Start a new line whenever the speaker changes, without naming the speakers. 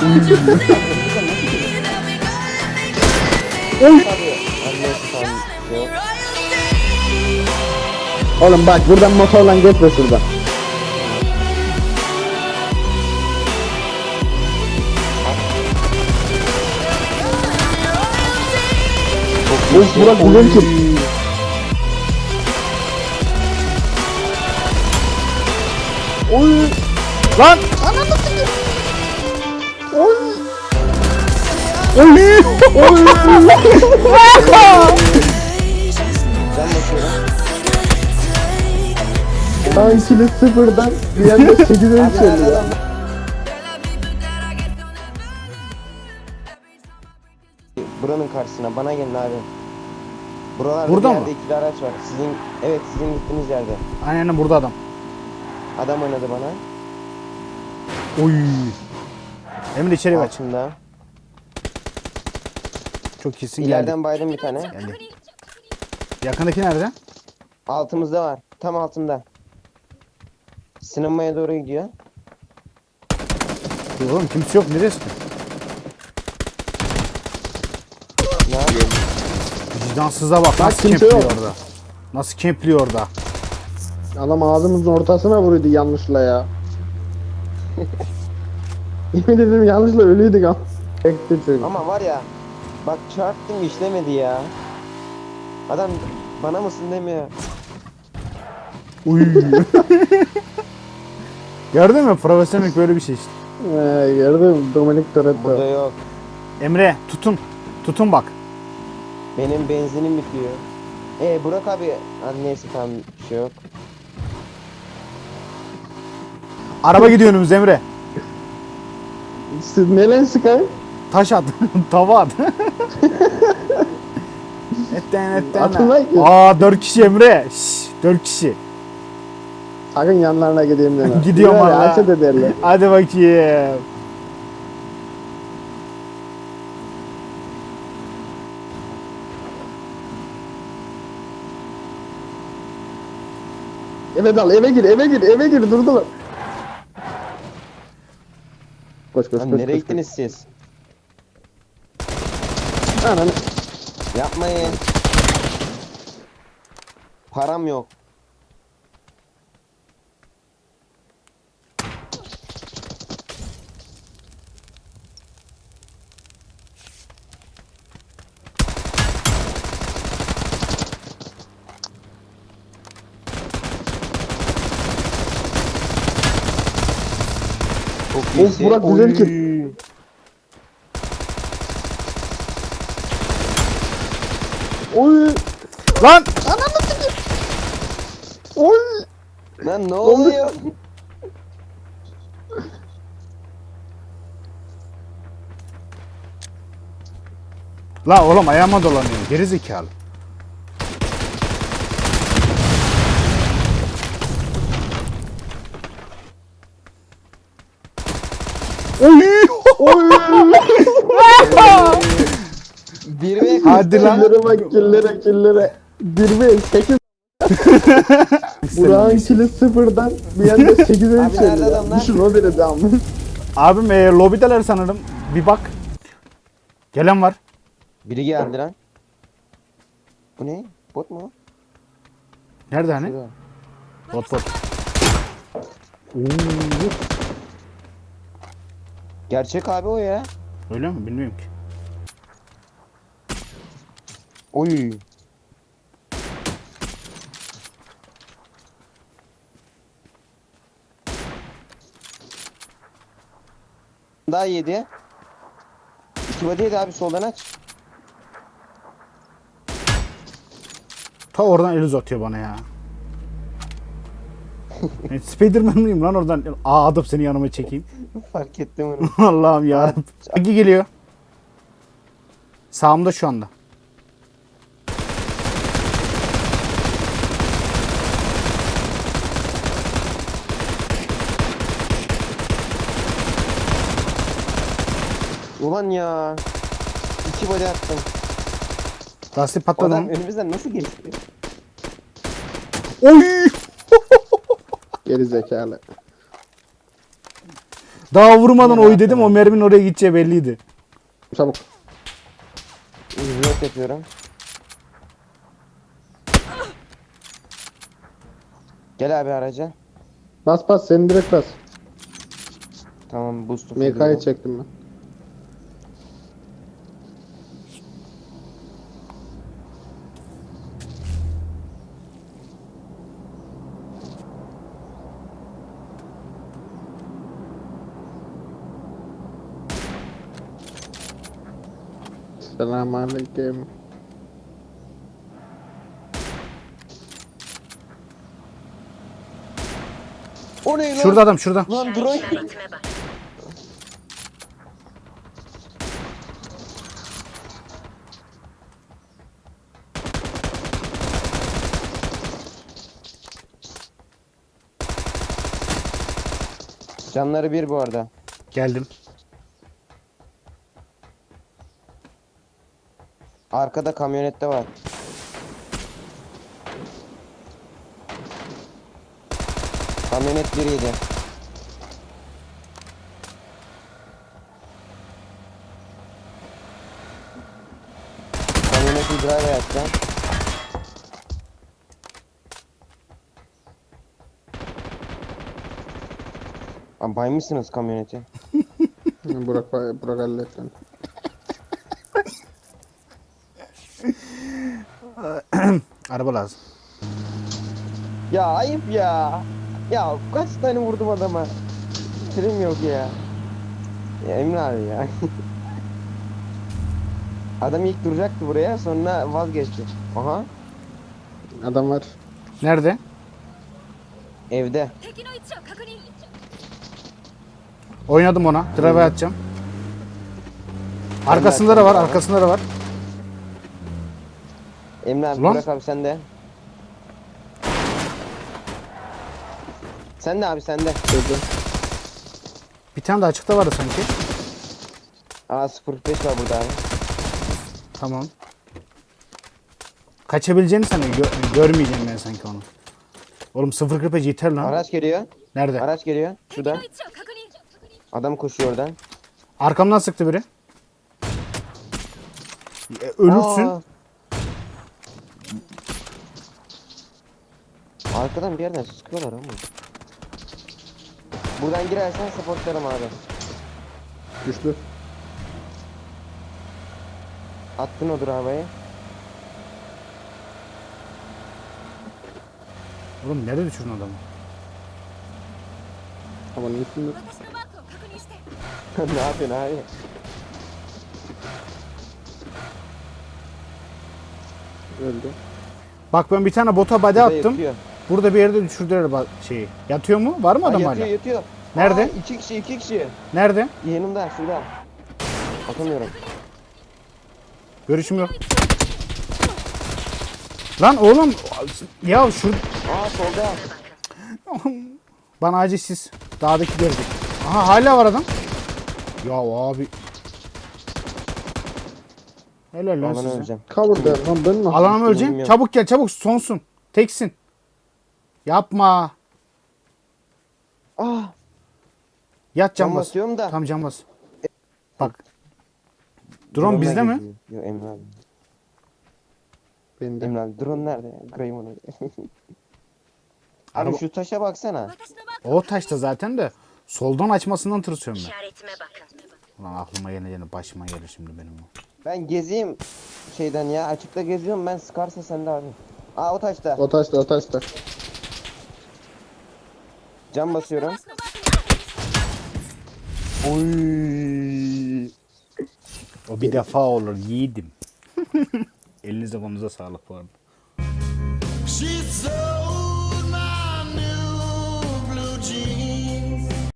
Oğlum bak buradan motorla geçme şuradan. Of Burak güzel ki. Oy.
Lan!
Oy. Oy. Oy. Tankili sıfırdan bir anda 8'e yükseliyor.
Buranın karşısına bana gelin abi. Buralarda
Burada
bir
mı?
yerde ikili araç var. Sizin gittiğiniz yerde.
Aynen burada adam.
Adam oynadı bana.
Oy. Emre içeri kaç.
Altında.
Çok iyisin geldi.
İleriden baydım bir tane.
Geldi. Yakındaki nerede?
Altımızda var. Tam altında. Sinemaya doğru gidiyor.
Oğlum kimse yok neresi?
Ne yapıyor?
Vicdansıza bak nasıl
kimse
kempliyor
yok.
orada. Nasıl kempliyor orada.
Adam ağzımızın ortasına vuruyordu yanlışla ya. Yemin ederim yanlışla ölüydük ama. Çekti çünkü.
Ama var ya. Bak çarptım işlemedi ya. Adam bana mısın demiyor.
Uy. Gördün mü? Profesyonel böyle bir şey işte.
Gördüm Dominic
Burada
Toretto.
yok.
Emre tutun. Tutun bak.
Benim benzinim bitiyor. Burak abi. Hadi neyse tamam bir şey yok.
Araba gidiyor önümüzde Emre.
Siz ne lan Sky?
Taş at. Tava at. etten.
Atın lan ki.
Aa 4 kişi Emre. Şşş, 4 kişi.
Sakın yanlarına gideyim deme.
Gidiyorum
Birer
valla.
Haset ederler.
Hadi bakayım.
Eve dal, eve gir, durdular. Koş koş
Lan
koş.
nereye
koş,
gittiniz siz?
koş. Ananı.
Yapmayın. Param yok. Çok
Of
iyisin.
Burak güzel ki. Oy.
Lan!
Oy.
Lan ne oluyor?
La oğlum ayağıma dolanıyor. Geri zekalı. Oy!
Oy.
Bir ve
Hadi lan.
Killere bak killere. 1 ve 8. Burak'ın kili sıfırdan bir anda 8'e
nerede
yükseliyor.
adamlar?
Düşün o derece ama.
Abim lobideler sanırım. Bir bak. Gelen var.
Biri geldi lan. Bu ne? Bot mu?
Nerede hani?
Şurada.
Bot.
Gerçek abi o ya.
Öyle mi? Bilmiyorum ki.
Oy. Daha yedi. İki body yedi abi soldan aç.
Ta oradan el uzatıyor bana ya. Ben Spiderman mıyım lan oradan? Adım seni yanıma çekeyim.
Fark ettim onu.
Allah'ım yarabbim. Hangi geliyor? Sağımda şu anda.
Ulan ya. İki body attım.
Lastik
O
patladı
adam
mı?
önümüzden nasıl geçti?
Oy!
Geri zekalı.
Daha vurmadan
Yine
oy dedim,
yaptın
o
abi.
merminin oraya gideceği belliydi.
Çabuk.
Reload yapıyorum. Gel abi araca.
Bas bas, seni direkt bas.
Tamam boost'u
MK'yı
fulluyorum.
çektim ben. Selamünaleyküm.
O ne lan?
Şurada adam, şurada.
Lan drone.
İşaretime bak.
Canları bir bu arada.
Geldim.
Arkada kamyonette var. Kamyonet biriydi. Kamyoneti drive yapacağım. Abi baymışsınız kamyoneti.
Burak halletti.
Araba lazım.
Ya ayıp ya. Ya kaç tane vurdum adama. Trim yok ya. Ya Emre abi ya. Adam ilk duracaktı buraya, sonra vazgeçti. Aha,
Adam var.
Nerede?
evde.
敵の位置を確認。
Oynadım ona. Drive atacağım. Arkasında da var, arkasında da var.
Emre abi
Ulan.
bırak abi sen de. Sen de abi sen de.
Dedi.
Bir tane de açıkta vardı sanki.
Aa 05 var burada abi.
Tamam. Kaçabileceğini sanıyor. Görmeyeceğim ben sanki onu. Oğlum 0.45 yeter lan.
Araç geliyor.
Nerede?
Araç geliyor.
敵
şurada.
の位置を確認。
Adam koşuyor oradan.
Arkamdan sıktı biri. Ölürsün.
Aa. Arkadan bir yerden sıkıyorlar ama. Buradan girersen supportlarım abi.
Düştü.
Attın o havaya.
Oğlum nerede düşürdün adamı?
Havanın üstünde.
私のマークを確認して。
Ne yapıyorsun abi?
Öldü.
Bak ben bir tane bota body
Burada
attım.
yatıyor.
Burada bir yerde düşürdüler şeyi. Yatıyor mu? Var mı
Aa,
adam
yatıyor
hala?
yatıyor.
Nerede?
Aa, iki kişi.
Nerede?
Yanımda şurada. Atamıyorum.
Görüşüm yok. Lan oğlum ya şu
Aa solda.
bana acil siz dağdaki gördük. Aha hala var adam. Ya abi. Helal lan
Aman
size.
öleceğim.
Cover der lan, ben nasıl?
Alana mı öleceksin?
Bilmiyorum.
Çabuk gel çabuk sonsun. Teksin. Yapma.
Ah.
Yat
Cam
cam bas.
basıyorum da.
Tam cam bas. Bak. Drone bizde mi?
geziyor. Yok Emre abi.
Bende.
Emre abi drone nerede ya? Kırayım onu. Abi
Araba-
şu taşa baksana.
私のマーク
O taşta zaten de soldan açmasından tırsıyorum ben.
işaretime bakın.
Ulan aklıma geleceğine başıma gelir şimdi benim o.
Ben gezeyim şeyden ya. Açıkta geziyorum, ben sıkarsa sende abi. Aa o taşta.
O taşta, o taşta.
Cam basıyorum.
私のマークに確認。
Oy. O bir defa olur yiğidim. Elinize konuza sağlık bu arada.
She's so